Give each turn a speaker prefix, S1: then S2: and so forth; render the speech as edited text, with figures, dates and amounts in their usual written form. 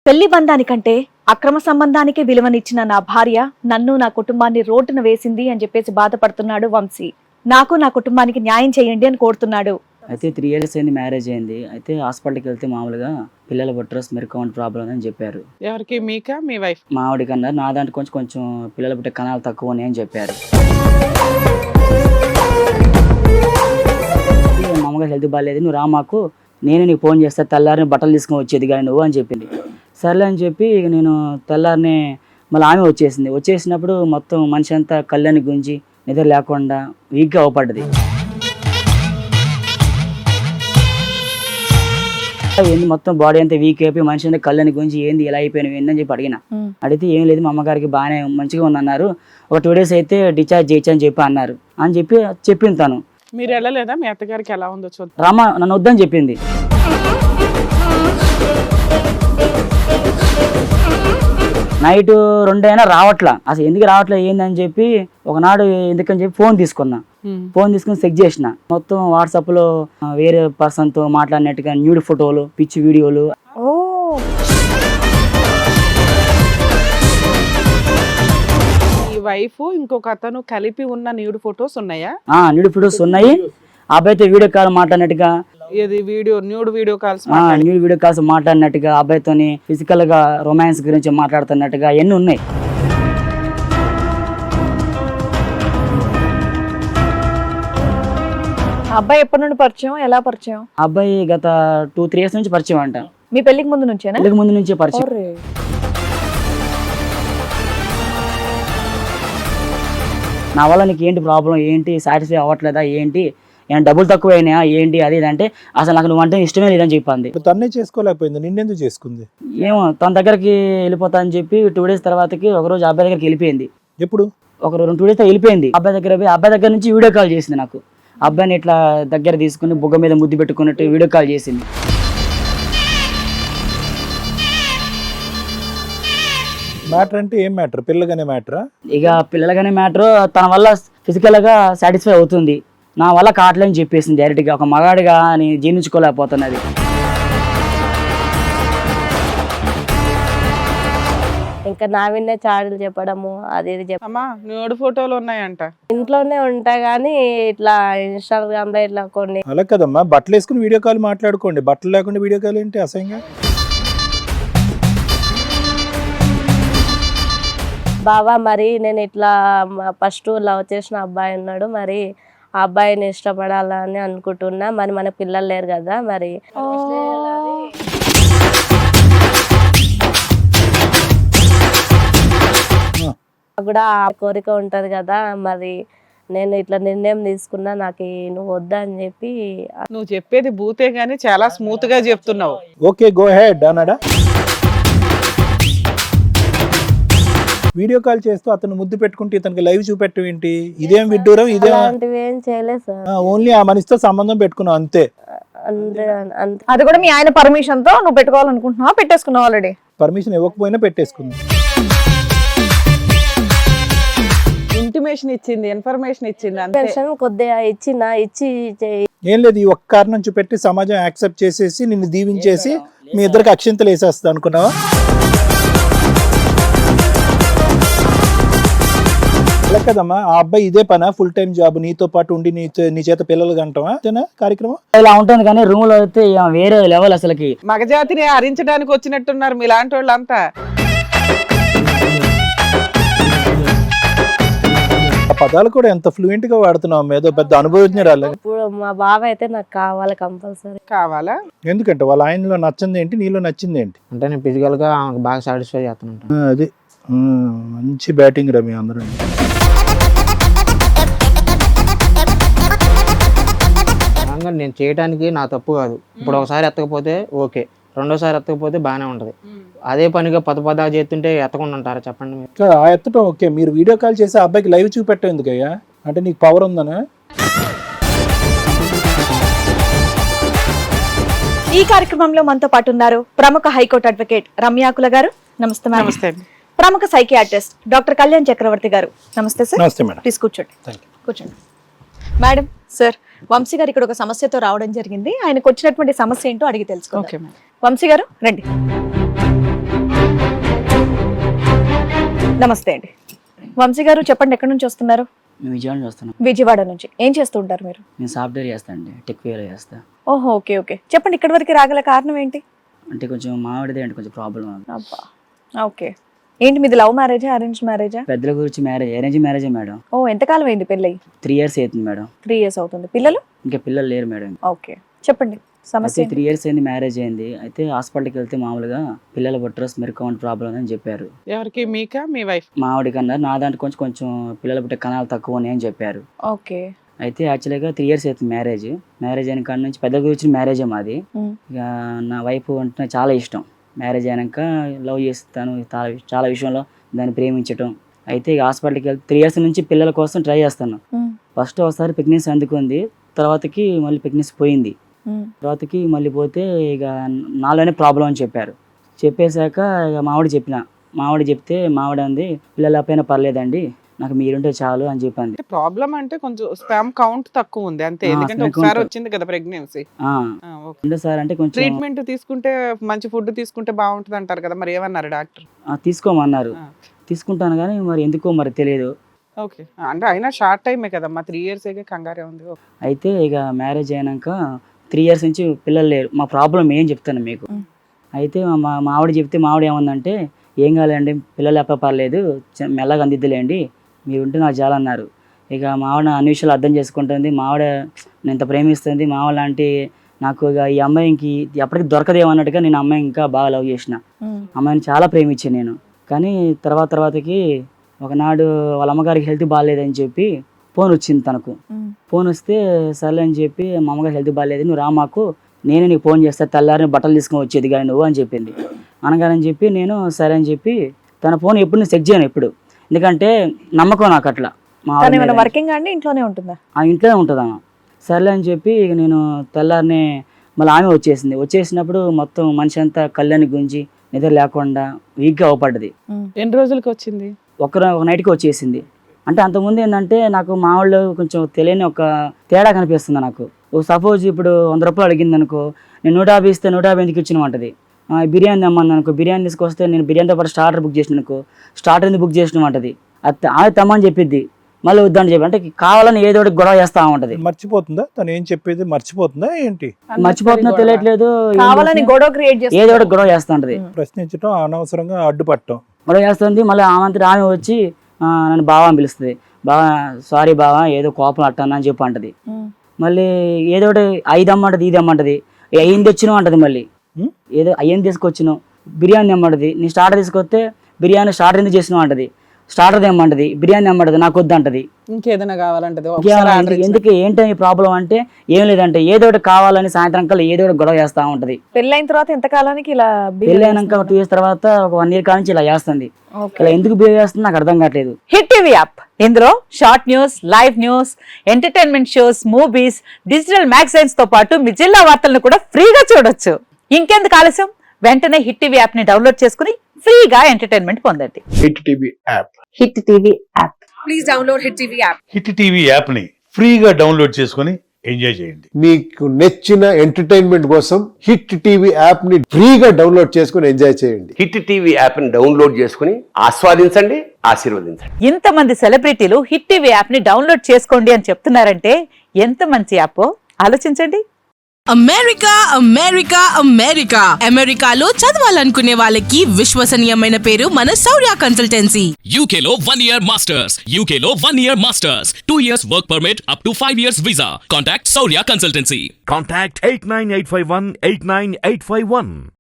S1: పెళ్లి బంధానికంటే అక్రమ సంబంధానికి విలువనిచ్చిన నా భార్య నన్ను నా కుటుంబాన్ని రోడ్డున వేసింది అని చెప్పేసి బాధపడుతున్నాడు వంశీ. నాకు నా కుటుంబానికి న్యాయం చేయండి అని కోరుతున్నాడు.
S2: అయితే 3 years అయింది, మ్యారేజ్ అయింది. అయితే హాస్పిటల్కి వెళ్తే మామూలుగా పిల్లల బుట్రస్ మెరుకౌంట్ ప్రాబ్లం అని చెప్పారు.
S3: ఎవరికి? మీకా మీ వైఫ్?
S2: మా ఆవిడకి అన్నారు. నా దాంట్లో కొంచెం పిల్లల పుట్టే కణాలు తక్కువ అని చెప్పారు. మామూలుగా హెల్త్ బాగాలేదు, నువ్వు రా మాకు, నేను నీకు ఫోన్ చేస్తా, తెల్లారిని బట్టలు తీసుకొని వచ్చేది కానీ నువ్వు అని చెప్పింది. సర్లే అని చెప్పి ఇక నేను తెల్లారిని మళ్ళీ ఆమె వచ్చేసినప్పుడు మొత్తం మనిషి అంతా కళ్ళని గుంజి నిద్ర లేకుండా వీక్గా అవపడ్డది. ఏంది మొత్తం బాడీ అంతా వీక్ అయిపోయి మనిషి అంతా కళ్ళని గుంజి ఏంది ఇలా అయిపోయినావు ఏందని చెప్పి అడిగితే ఏం లేదు, మా అమ్మగారికి బాగానే మంచిగా ఉందన్నారు, ఒక 2 days అయితే డిశ్చార్జ్ చేయొచ్చు అని చెప్పి అన్నారు అని చెప్పింది తను.
S3: మీరు వెళ్ళలేదా? మీ అత్తగారికి ఎలా ఉందో చూద్దాం.
S2: రామ నన్ను వద్దని చెప్పింది. నైట్ 2 అయినా రావట్లా, అసలు ఎందుకు రావట్లే ఏందని చెప్పి ఒకనాడు ఎందుకని చెప్పి ఫోన్ తీసుకుని చెక్ చేసిన. మొత్తం వాట్సాప్ లో వేరే పర్సన్ తో మాట్లాడినట్టుగా న్యూడ్ ఫోటోలు, పిచ్చి వీడియోలు.
S3: ఈ వైఫ్ ఇంకొక అతను కలిపి ఉన్న న్యూడ్ ఫొటోస్ ఉన్నాయా?
S2: న్యూడ్ ఫొటోస్ ఉన్నాయి. అబ్బాయితో వీడియో కాల్ మాట్లాడినట్టుగా,
S3: న్యూడ్ వీడియో కాల్స్
S2: మాట్లాడినట్టుగా, అబ్బాయితోని ఫిజికల్ గా రొమాన్స్ గురించి మాట్లాడుతున్నట్టుగా ఎన్ని ఉన్నాయి.
S1: అబ్బాయి ఎప్పటి నుండి పరిచయం, ఎలా పరిచయం?
S2: అబ్బాయి గత 2-3 years నుంచి పరిచయం అంట.
S1: మీ పెళ్లికి ముందు నుంచేనా?
S2: పెళ్లికి ముందు నుంచే పరిచయం. నా వల్ల నీకు ఏంటి ప్రాబ్లం, ఏంటి సాటిస్ఫై అవ్వట్లేదా, ఏంటి ఏమైనా డబ్బులు తక్కువ అయినా ఏంటి అది అంటే అసలు నాకు నువ్వు అంటే ఇష్టమే లేదని చెప్పింది.
S4: తన్నే చేసుకోలేకపోయింది, నిన్నెందుకు చేసుకుంది?
S2: ఏమో తన దగ్గరికి వెళ్ళిపోతా అని చెప్పి 2 days తర్వాతకి ఒకరోజు అబ్బాయి దగ్గరికి వెళ్ళిపోయింది.
S4: ఎప్పుడు?
S2: ఒక 2 days వెళ్ళిపోయింది. అబ్బాయి దగ్గర నుంచి వీడియో కాల్ చేసింది నాకు. అబ్బాయిని ఇట్లా దగ్గర తీసుకుని బుగ్గ మీద ముద్దు పెట్టుకున్నట్టు వీడియో కాల్ చేసింది.
S4: మ్యాటర్ అంటే ఏం మ్యాటర్? పిల్లగానే మ్యాటరా?
S2: ఇక పిల్లలగానే మ్యాటర్. తన వల్ల ఫిజికల్ గా సాటిస్ఫై అవుతుంది, నా వల్ల కావట్లేని చెప్పేసింది డైరెక్ట్ గా. ఒక మగాడిగా నేను జీర్ణించుకోలేకపోతున్నది.
S5: ఇంకా నా విన్నే చాడీలు చెప్పడము అది ఇది
S3: అమ్మా న్యూడ్ ఫోటోలు ఉన్నాయంట.
S5: ఇంట్లోనే ఉంటాయి కానీ ఇట్లా ఇన్స్టాగ్రామ్ లో ఇట్లా కొన్ని.
S4: అలా కదమ్మా, బట్టలు వేసుకుని వీడియో కాల్ మాట్లాడుకోండి, బట్టలు లేకుండా వీడియో కాల్ ఏంటి అసహ్యంగా?
S5: బావా మరి నేను ఇట్లా ఫస్ట్ లవ్ చేసిన అబ్బాయి ఉన్నాడు, మరి ఆ అబ్బాయిని ఇష్టపడాలని అనుకుంటున్నా, మరి మన పిల్లలు లేరు కదా, మరి కూడా ఆ కోరిక ఉంటది కదా, మరి నేను ఇట్లా నిర్ణయం తీసుకున్నా, నాకు నువ్వు వద్దా అని చెప్పి.
S3: నువ్వు చెప్పేది బూతే గానీ చాలా స్మూత్ గా చెప్తున్నావు.
S4: ఓకే గో హెడ్ అన్నాడా? వీడియో కాల్ చేస్తూ అతను ముద్దు పెట్టుకుంటే ఇతనికి లైవ్ చూపెట్టం ఏంటి? ఇదేం విడ్డూరం, ఇదేం
S5: ఏం చేయలేదు సార్.
S4: ఓన్లీ ఆ మనిషితో సంబంధం పెట్టుకున్నావు అంతే.
S1: అది కూడా మీ ఆయన పర్మిషన్ తో నువ్వు పెట్టుకోవాలనుకుంటున్నావా, పెట్టేసుకున్నావు ఆల్రెడీ?
S4: పర్మిషన్ ఇవ్వకపోయినా పెట్టేసుకుంది.
S3: ఇంటిమేషన్ ఇచ్చింది, ఇన్ఫర్మేషన్ ఇచ్చింది అంతే.
S5: కొద్దిగా ఇచ్చి
S4: ఏం లేదు, ఈ ఒక్క కారణం చూపెట్టి సమాజం యాక్సెప్ట్ చేసేసి నిన్ను దీవించేసి మీ ఇద్దరికి అక్షింతలు వేసేస్తా అనుకున్నావా? అలా కదమ్మా, ఆ అబ్బాయి ఇదే పనా, ఫుల్ టైం జాబ్, నీతో పాటు ఉండి నీ చేత పిల్లలు కంటావా కార్యక్రమం?
S2: ఇలా ఉంటుంది కానీ రూమ్ లో అయితే వేరే లెవెల్. అసలుకి
S3: మగజాతిని హరించడానికి వచ్చినట్టున్నారు మీలాంటి వాళ్ళంతా.
S4: ఆ పదాలు కూడా ఎంత ఫ్లూయెంట్ గా వాడుతున్నావు, ఏదో పెద్ద అనుభవజ్ఞరాలు.
S5: ఇప్పుడు మా బావ అయితే నాకు కావాలి, కంపల్సరీ
S3: కావాలా?
S4: ఎందుకంటే వాళ్ళ ఆయనలో నచ్చింది ఏంటి, నీలో నచ్చింది ఏంటి?
S6: అంటే నేను ఫిజికల్ గా బాగా సాటిస్ఫై చేస్తాను.
S4: అది మంచి బ్యాటింగ్ రా మీ అందరూ.
S6: నేను చేయడానికి నా తప్పు కాదు. ఇప్పుడు ఒకసారి ఎత్తకపోతే ఓకే, రెండోసారి ఎత్తకపోతే బాగానే ఉంటది. అదే పనిగా పదపదా చేస్తుంటే ఎత్తకుండా ఉంటారా చెప్పండి మీరు?
S4: ఆ ఎత్తటం ఓకే, మీరు వీడియో కాల్ చేసి ఆ అబ్బాయికి లైవ్ చూపెట్టం ఎందుకయ్యా? అంటే నీకు పవర్ ఉందనా?
S1: ఈ కార్యక్రమంలో మనతో పాటు ఉన్నారు ప్రముఖ హైకోర్టు అడ్వకేట్ రమ్యాకుల గారు. నమస్తే మేడం.
S3: నమస్తే.
S1: ప్రముఖ సైకియాట్రిస్ట్ డాక్టర్ కళ్యాణ్ చక్రవర్తి గారు. నమస్తే సార్.
S4: నమస్తే మేడం.
S1: ప్లీజ్ కూర్చోండి. కూర్చోండి మేడం. సార్, వంశీ గారు ఇక్కడ ఒక సమస్యతో రావడం జరిగింది. ఆయనకు వచ్చినటువంటి సమస్య ఏంటో అడిగి తెలుసుకోండి. వంశీ గారు రండి. నమస్తే అండి. వంశీ గారు చెప్పండి, ఎక్కడి నుంచి వస్తున్నారు?
S2: మేము విజయవాడ నుంచి వస్తున్నాం.
S1: విజయవాడ నుంచి. ఏం చేస్తూ ఉంటారు మీరు?
S2: నేను సాఫ్ట్వేర్ చేస్తాను అండి, టెక్వేర్ చేస్తా.
S1: ఓహో, ఓకే ఓకే. చెప్పండి, ఇక్కడి వరకు రాగల కారణం ఏంటి?
S2: అంటే కొంచెం మావిడిదే అంటే కొంచెం ప్రాబ్లం.
S1: అబ్బా, ఓకే. ఏంటి మీది లవ్ మ్యారేజా, అరేంజ్ మ్యారేజా?
S2: పెద్దల గురించి మ్యారేజ్, అరేంజ్ మ్యారేజే మేడం.
S1: ఓ, ఎంతకాలం అయింది పెళ్ళి?
S2: 3 years అవుతుంది మేడం.
S1: 3 years అవుతుంది. పిల్లలు?
S2: ఇంకా పిల్లలు లేరు మేడం.
S1: ఓకే, చెప్పండి సమస్య.
S2: అయితే 3 years అయింది మ్యారేజ్ అయింది. అయితే హాస్పిటల్కి వెళ్తే మామూలుగా పిల్లల బుట్రస్ మెరుకౌంట్ ప్రాబ్లం అని చెప్పారు.
S3: ఎవరికి, మీకా మీ వైఫ్?
S2: మా ఆవిడకి అన్నారు. నా దాంట్లో కొంచెం పిల్లల పుట్టే కణాలు తక్కువ అని అని చెప్పారు.
S1: ఓకే.
S2: అయితే యాక్చువల్గా 3 years అవుతుంది మ్యారేజ్ అయిన కాడ నుంచి పెద్ద గురించి మ్యారేజే మాది. ఇక నా వైఫ్ అంటే చాలా ఇష్టం. మ్యారేజ్ అయినాక లవ్ చేస్తాను చాలా విషయంలో దాన్ని ప్రేమించటం. అయితే ఇక హాస్పిటల్కి వెళ్తే 3 years నుంచి పిల్లల కోసం ట్రై చేస్తాను. ఫస్ట్ ఒకసారి ప్రెగ్నెన్సీ అందుకుంది, తర్వాతకి మళ్ళీ ప్రెగ్నెన్సీ పోయింది. తర్వాతకి మళ్ళీ పోతే ఇక నాలోనే ప్రాబ్లం అని చెప్పారు. చెప్పేశాక ఇక మావిడ చెప్తే మావిడ అంది, పిల్లల పైన పర్లేదండి, నాకు మీరుంటే చాలు అని చెప్పింది.
S3: ప్రాబ్లం అంటే కొంచెం స్పామ్ కౌంట్ తక్కువ ఉంది అంతే, ఎందుకంటే ఒకసారి వచ్చింది కదా ప్రెగ్నెన్సీ.
S2: సార్ అంటే కొంచెం
S3: ట్రీట్మెంట్ తీసుకుంటే, మంచి ఫుడ్ తీసుకుంటే బాగుంటుంది అంటారు కదా, మరి ఏమన్నారు డాక్టర్?
S2: తీసుకోమన్నారు. తీసుకుంటాను కానీ మరి ఎందుకో మరి తెలియదు.
S3: ఓకే, అంటే అయినా షార్ట్ టైమే కదమ్మా, 3 years కంగారే ఉంది.
S2: అయితే ఇక మ్యారేజ్ అయినాక 3 years నుంచి పిల్లలు లేరు. మా ప్రాబ్లం ఏం చెప్తాను మీకు. అయితే మా ఆవిడ చెప్తే మావిడ ఏమందంటే, ఏం కాలేండి, పిల్లలు ఎప్ప పర్లేదు, మెల్లగా అందిద్దులేండి, మీరు ఉంటే నాకు చాలా అన్నారు. ఇక మావిడ అన్ని విషయాలు అర్థం చేసుకుంటుంది. మావిడ నేను ఇంత ప్రేమిస్తుంది. మావిడ లాంటి నాకు ఇక ఈ అమ్మాయికి ఎప్పటికీ దొరకదేమన్నట్టుగా నేను అమ్మాయిని ఇంకా బాగా లవ్ చేసిన. అమ్మాయిని చాలా ప్రేమించాను నేను. కానీ తర్వాతకి ఒకనాడు వాళ్ళ అమ్మగారికి హెల్త్ బాగాలేదని చెప్పి ఫోన్ వచ్చింది తనకు. ఫోన్ వస్తే సర్లే అని చెప్పి, మా అమ్మగారు హెల్త్ బాగాలేదు, నువ్వు రా మాకు, నేనే నీకు ఫోన్ చేస్తా, తెల్లారిని బట్టలు తీసుకొని వచ్చేది కానీ నువ్వు అని చెప్పింది. అనగానని చెప్పి నేను సరే అని చెప్పి, తన ఫోన్ ఎప్పుడు నేను చెక్ చేయను ఎప్పుడు, ఎందుకంటే నమ్మకం నాకు అట్లా.
S1: వర్కింగ్ అండి, ఇంట్లోనే ఉంటుందా?
S2: ఇంట్లోనే ఉంటుందమ్మా. సర్లే అని చెప్పి ఇక నేను తెల్లారిని మళ్ళీ ఆమె వచ్చేసినప్పుడు మొత్తం మనిషి అంతా కళ్ళని గుంజి నిద్ర లేకుండా వీక్గా అవపడ్డది.
S3: ఎన్ని రోజులకి వచ్చింది?
S2: ఒక నైట్కి వచ్చేసింది. అంటే అంతకుముందు ఏంటంటే నాకు మా వాళ్ళు కొంచెం తెలియని ఒక తేడా కనిపిస్తుంది నాకు. సపోజ్ ఇప్పుడు 100 రూపాయలు అడిగింది అనుకో, నేను 150 ఇస్తే 150 ఎందుకు ఇచ్చినమంటది. బిర్యానీ తెమ్మని అనుకో, బిర్యానీ తీసుకొస్తే నేను బిర్యానీతో పాటు స్టార్టర్ బుక్ చేసిన అనుకో, స్టార్టర్ ఎందుకు బుక్ చేసినమంటది. అది ఆమె తెమ్మని చెప్పిద్ది, మళ్ళీ వద్దని చెప్పి, అంటే కావాలని ఏదో ఒకటి గొడవ చేస్తా ఉంటది.
S4: మర్చిపోతుందా తను ఏం చెప్పేది? మర్చిపోతుందా ఏంటి?
S2: మర్చిపోతుందో తెలియట్లేదు,
S1: కావాలని గొడవ క్రియేట్ చేసి
S2: ఏదో ఒకటి గొడవ చేస్తా ఉంటది.
S4: ప్రశ్నించడం, అనవసరంగా అడ్డుపట్టడం,
S2: గొడవ చేస్తుంది. మళ్ళీ ఆమె వచ్చి నన్ను బావ అని పిలుస్తుంది. బావా సారీ బావా, ఏదో కోపం అట్టాను అని చెప్పి అంటది. మళ్ళీ ఏదో ఒకటి 5 అమ్మంటది, ఇది అమ్మంటది, అయ్యింది తెచ్చినావు అంటది. మళ్ళీ ఏదో అయ్యింది తీసుకొచ్చినావు, బిర్యానీ తెమ్మంటది. నీ స్టార్టర్ తీసుకొస్తే బిర్యానీ స్టార్టర్ ఎందుకు చేసినావు అంటది. స్టార్టర్ తెమ్మంటది, బిర్యానీ తెమ్మంటది, నాకు వద్దు అంటది.
S3: ఇంకేదైనా కావాలంటది.
S2: ఎందుకు ఏంటని ప్రాబ్లం అంటే ఏం లేదంటే ఏదో ఒకటి కావాలని సాయంత్రం కల్లా ఏదో ఒకటి గొడవ చేస్తా ఉంటది.
S1: పెళ్ళైన తర్వాత ఎంత కాలానికి ఇలా?
S2: పెళ్ళైనాక 2 years తర్వాత ఒక 1 year కానించి ఇలా చేస్తుంది. ఇలా ఎందుకు బిహేవ్ చేస్తుంది నాకు అర్థం కావట్లేదు.
S7: హిట్ టీవీ యాప్, ఇందులో short news, live news, entertainment shows, movies, digital magazines తో పాటు మీ జిల్లా వార్తలను కూడా ఫ్రీగా చూడొచ్చు. ఇంకెందుకు ఆలస్యం, వెంటనే హిట్ టీవీ యాప్ ని డౌన్లోడ్ చేసుకుని ఫ్రీగా ఎంటర్టైన్మెంట్ పొందండి.
S8: Hit TV app.
S7: Hit TV app.
S1: Please download hit TV app.
S8: Hit TV app ని ఫ్రీగా డౌన్లోడ్ చేసుకొని ఎంజాయ్ చేయండి.
S9: మీకు నచ్చిన ఎంటర్టైన్మెంట్ కోసం హిట్ టీవీ యాప్ ని ఫ్రీగా డౌన్లోడ్ చేసుకొని ఎంజాయ్ చేయండి.
S10: హిట్ టీవీ యాప్ ని డౌన్లోడ్ చేసుకుని ఆస్వాదించండి, ఆశీర్వదించండి.
S7: ఇంతమంది సెలబ్రిటీలు హిట్ టీవీ యాప్ ని డౌన్లోడ్ చేసుకోండి అని చెప్తున్నారంటే ఎంత మంచి యాప్ ఆలోచించండి.
S11: అమెరికాలో చదవాలనుకునే వాళ్ళకి విశ్వసనీయమైన పేరు మన శౌర్య కన్సల్టెన్సీ.
S12: UKలో 1 year masters, 2 years work permit up to 5 years visa. Contact Saurya Consultancy.
S13: Contact 89851 89851.